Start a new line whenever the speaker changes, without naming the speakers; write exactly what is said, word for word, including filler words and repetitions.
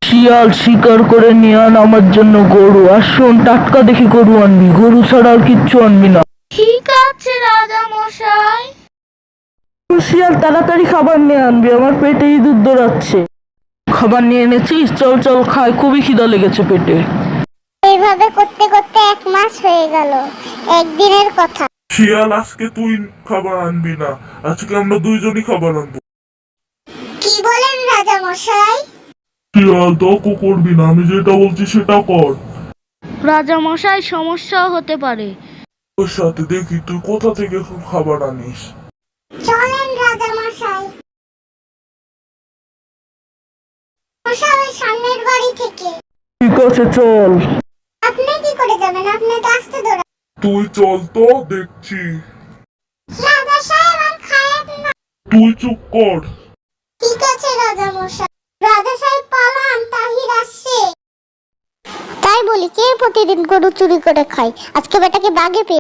শিয়াল শিকার করে নিয়ে আন আমার জন্য গরু, আর শোন টাটকা দেখে গরু আনবি, গরু ছাড়া আর কিচ্ছু আনবি না।
ঠিক আছে রাজা মশাই।
শিয়াল তাড়াতাড়ি খাবার নিয়ে আনবি, আমার পেটে ইঁদুর দৌড়াচ্ছে। খাবার নিয়ে এনেছিস? চল চল খাই, খুবই খিদা লেগেছে পেটে।
এইভাবে করতে করতে এক মাস হয়ে গেল। একদিনের কথা।
শিয়াল, আজকে তুই খাবার আনবি না, আজকে আমরা দুইজনই খাবার আনবো।
কি বলেন রাজা মশাই?
শিয়াল, তর্ক করবি না, আমি যেটা বলছি সেটা কর।
রাজা মশাই, সমস্যাও হতে পারে।
ওর সাথে দেখি তুই কোথা থেকে খাবার আনিস।
চলেন রাজা মশাই। মশাই, ওই সামনের বাড়ি থেকে।
ঠিক আছে চল।
আপনি কি করে যাবেন? আপনি তো আসতে দৌড়া।
তুই চল তো, দেখছি।
রাজা সাহেব আর খায়েন না।
তুই চুপ কর।
ঠিক আছে রাজা মশাই। রাজা সাহেব পালান, তাহির আসছে। তাই বলি, কে প্রতিদিন গরু চুরি করে খায়? আজকে বেটাকে বাগে পেয়ে